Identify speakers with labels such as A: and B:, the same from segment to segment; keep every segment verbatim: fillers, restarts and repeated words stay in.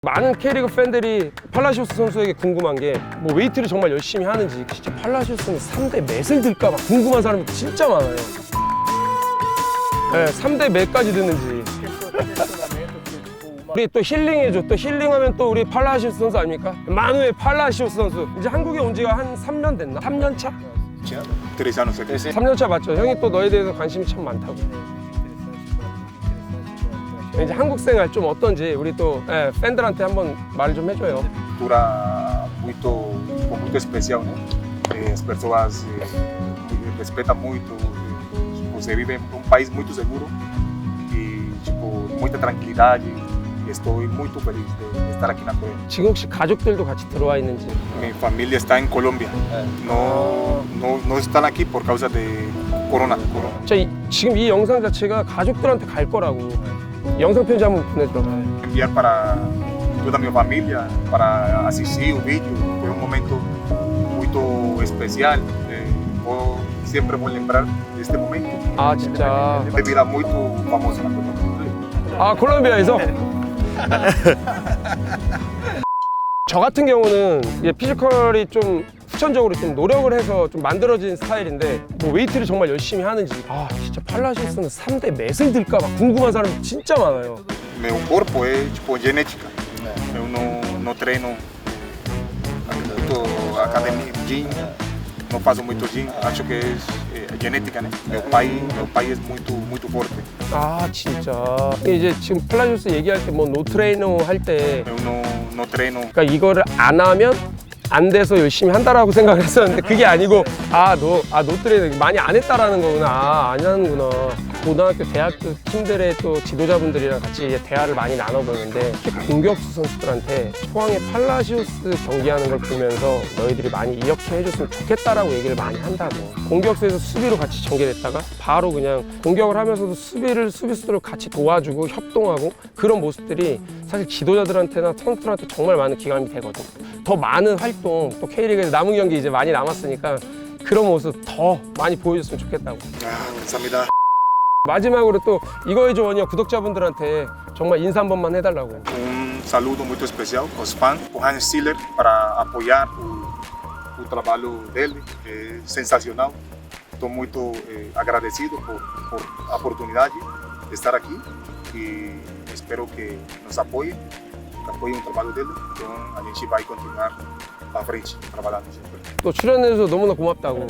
A: 많은 K리그 팬들이 팔라시오스 선수에게 궁금한 게 뭐 웨이트를 정말 열심히 하는지, 진짜 팔라시오스는 삼 대 몇을 들까 봐 궁금한 사람이 진짜 많아요. 네, 삼 대 몇까지 드는지. 우리 또 힐링해줘. 또 힐링하면 또 우리 팔라시오스 선수 아닙니까? 마누엘 팔라시오스 선수. 이제 한국에 온 지가 한 삼 년 됐나? 삼 년 차? 삼 년 차 맞죠? 형이 또 너에 대해서 관심이 참 많다고. 이제 한국 생활 좀 어떤지 우리 또 예, 팬들한테 한번 말을 좀 해줘요.
B: Cultura muito, muito especial, né? Eh, As pessoas eh, respeitam muito. eh, Você vive em um país muito seguro e tipo muita tranquilidade. E estou muito feliz de estar aqui na Coreia.
A: 지금 혹시 가족들도 같이 들어와 있는지.
B: Mi familia está en Colombia. No, no, no están aquí por causa de corona. corona.
A: 자, 이, 지금 이 영상 자체가 가족들한테 갈 거라고. 영상 편지 한번 보내줘.
B: Enviar para toda a minha família para assistir o vídeo. Foi um momento muito especial. Eh, vou, sempre vou lembrar deste momento.
A: 아 진짜.
B: Bebida muito famosa na Colômbia.
A: 아 콜롬비아에서? 저 같은 경우는 이게 피지컬이 좀 후천적으로 좀 노력을 해서 좀 만들어진 스타일인데 뭐 웨이트를 정말 열심히 하는지 아 진짜 팔라시오스는 삼 대 몇을 들까 봐 궁금한 사람이 진짜 많아요.
B: Meu corpo é tipo genética. Eu não, não treino muito academia, gym. Não faço muito gym. Acho que é, é genética, né? Meu pai, meu pai é muito, muito forte.
A: 아 진짜 이제 지금 팔라시오스 얘기할 때 뭐 노트레이너 할 때
B: Eu não, não treino.
A: 그러니까 이거를 안 하면 안 돼서 열심히 한다라고 생각을 했었는데 그게 아니고 아 너 아 노트레이너 많이 안 했다라는 거구나. 아, 안 하는구나. 고등학교, 대학교 팀들의 또 지도자분들이랑 같이 이제 대화를 많이 나눠보는데 특히 공격수 선수들한테 포항의 팔라시오스 경기하는 걸 보면서 너희들이 많이 이렇게 해줬으면 좋겠다라고 얘기를 많이 한다고. 공격수에서 수비로 같이 전개됐다가 바로 그냥 공격을 하면서도 수비를 수비수들을 같이 도와주고 협동하고 그런 모습들이 사실 지도자들한테나 선수들한테 정말 많은 기감이 되거든. 더 많은 활동, 또 K리그에서 남은 경기 이제 많이 남았으니까 그런 모습 더 많이 보여줬으면 좋겠다고.
B: Ah, 감사합니다.
A: 마지막으로 또 이거의 조언이요 구독자분들한테 정말 인사 한 번만 해달라고.
B: Um saludo muito especial aos fãs, o Hans Stiller, para apoiar o, o trabalho dele, é sensacional. Estou muito eh, agradecido por, por a oportunidade de estar aqui e espero que nos apoiem, que apoiem o trabalho dele. Então a gente vai continuar para frente, trabalhando sempre.
A: 또 출연해줘서 너무나 고맙다고.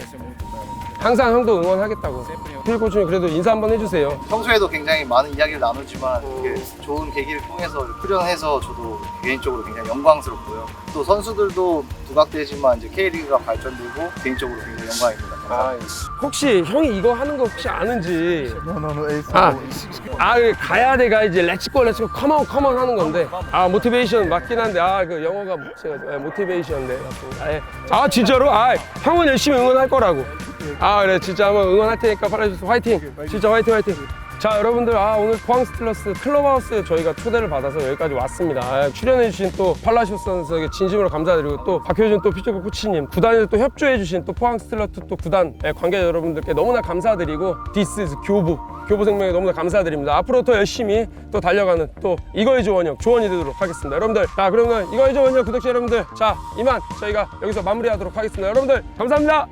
A: 항상 형도 응원하겠다고. 필코치님 그래도 인사 한번 해주세요.
C: 평소에도 굉장히 많은 이야기를 나누지만 이렇게 좋은 계기를 통해서 출연해서 저도 개인적으로 굉장히 영광스럽고요. 또 선수들도 부각되지만 이제 K리그가 발전되고 개인적으로 굉장히 영광입니다.
A: 아, 혹시 형이 이거 하는 거 혹시 아는지.
C: 노노노 에이스.
A: 아, 아 가야 돼 가야지 렛츠고 렛츠고 컴온 컴온 하는 건데 아 모티베이션 맞긴 한데 아 그 영어가 제가 모티베이션인데 아, 예. 아 진짜로? 아 형은 열심히 응원할 거라고. 아 그래 진짜 한번 응원할 테니까 팔라시오스 화이팅. 진짜 화이팅 화이팅. 자 여러분들 아 오늘 포항 스틸러스 클럽하우스에 저희가 초대를 받아서 여기까지 왔습니다. 아, 출연해주신 또 팔라시오스 선수에게 진심으로 감사드리고 또 박효준 또 피지컬 코치님 구단에서 또 협조해주신 또 포항 스틸러스 또 구단 예, 관계자 여러분들께 너무나 감사드리고 This is 교부 교부생명에 너무나 감사드립니다. 앞으로 더 열심히 또 달려가는 또 이거의 조원형 조원이 되도록 하겠습니다. 여러분들 자 그러면 이거의 조원형 구독자 여러분들 자 이만 저희가 여기서 마무리하도록 하겠습니다. 여러분들 감사합니다.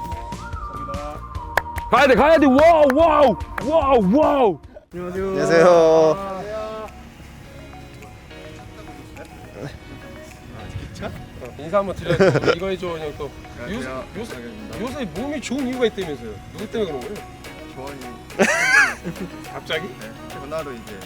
A: 가야 돼 가야 돼 와우 와우 와우 와우.
C: 안녕하세요.
A: 인사 한번 드려야죠. 이거의 조원형 또 요새 요새 요새 몸이 좋은 이유가 있다면서요. 누구 때문에 그런 거예요?
D: 조원이
A: 갑자기?
D: 네, 전화로 이제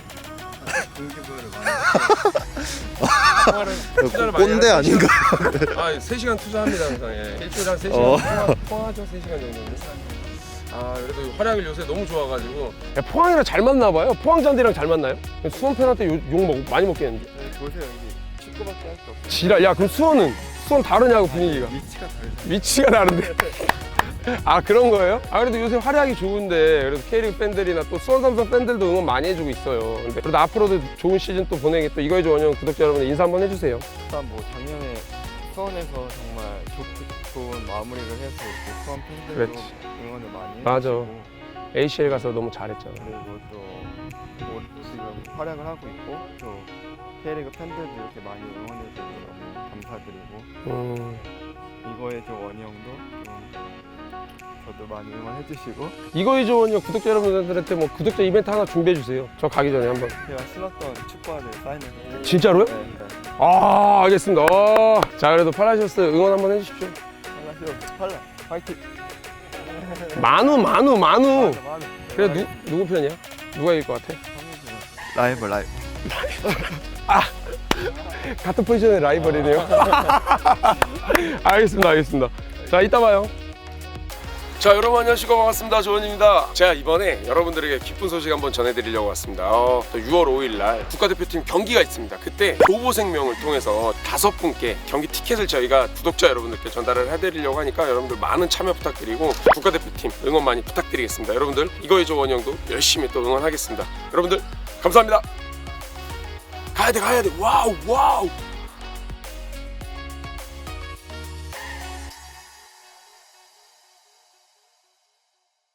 D: 공개부여를 많이
A: 투자를 많이
E: 꼰대
A: 하는
E: 아닌가?
A: 아, 세 시간 투자합니다 항상. 예. 일주일에 한 세 시간
E: 어.
A: 통화, 통화하죠. 세 시간 정도는. 아, 그래도 활약을 요새 너무 좋아가지고 야, 포항이랑 잘 맞나 봐요. 포항 잔디랑 잘 맞나요? 수원 팬한테 욕, 욕 먹, 많이 먹겠는데.
D: 네, 보세요 여기 축구밖에 할 수 없어요.
A: 지랄. 야, 그럼 수원은? 수원 다르냐고 분위기가.
D: 위치가 다르죠.
A: 위치가 다른데. 아 그런 거예요? 아 그래도 요새 활약이 좋은데 그래도 K리그 팬들이나 또 수원 삼성 팬들도 응원 많이 해주고 있어요. 근데 그래도 앞으로도 좋은 시즌 또 보내게 또 이거의 조원형 구독자 여러분 인사 한번 해주세요.
D: 일단 뭐 작년에 수원에서 정말 좋, 좋은 마무리를 해서 이렇게 수원 팬들도
A: 그렇지.
D: 응원을 많이
A: 맞아.
D: 해주시고
A: 에이씨엘 가서 너무 잘했잖아.
D: 그리고 또 뭐 지금 활약을 하고 있고 또 K리그 팬들도 이렇게 많이 응원해줘서 너무 감사드리고
A: 음.
D: 이거의 조 원희 형도 좀 저도 많이 응원해주시고
A: 이거의 조언이요. 구독자 여러분들한테 뭐 구독자 이벤트 하나 준비해 주세요. 저 가기 전에 한번.
D: 제가 신었던 축구화를 사인해서
A: 진짜로요?
D: 네, 네.
A: 아, 알겠습니다. 어. 자, 그래도 팔라시오스 응원 한번 해주십시오.
D: 팔라시오 팔라 화이팅.
A: 만우, 만우, 만우.
D: 맞아, 맞아.
A: 그래 누 누구 편이야? 누가 이길 것 같아?
D: 라이벌 라이벌.
A: 같은 포지션의 라이벌이네요. 알겠습니다, 알겠습니다. 자, 이따 봐요. 자, 여러분 안녕하시고 반갑습니다. 조원입니다. 제가 이번에 여러분들에게 기쁜 소식 한번 전해드리려고 왔습니다. 어, 또 유월 오일 날 국가대표팀 경기가 있습니다. 그때 교보생명을 통해서 다섯 분께 경기 티켓을 저희가 구독자 여러분들께 전달을 해드리려고 하니까 여러분들 많은 참여 부탁드리고 국가대표팀 응원 많이 부탁드리겠습니다. 여러분들 이거의 조원 형도 열심히 또 응원하겠습니다. 여러분들 감사합니다. 가야돼 가야돼. 와우 와우.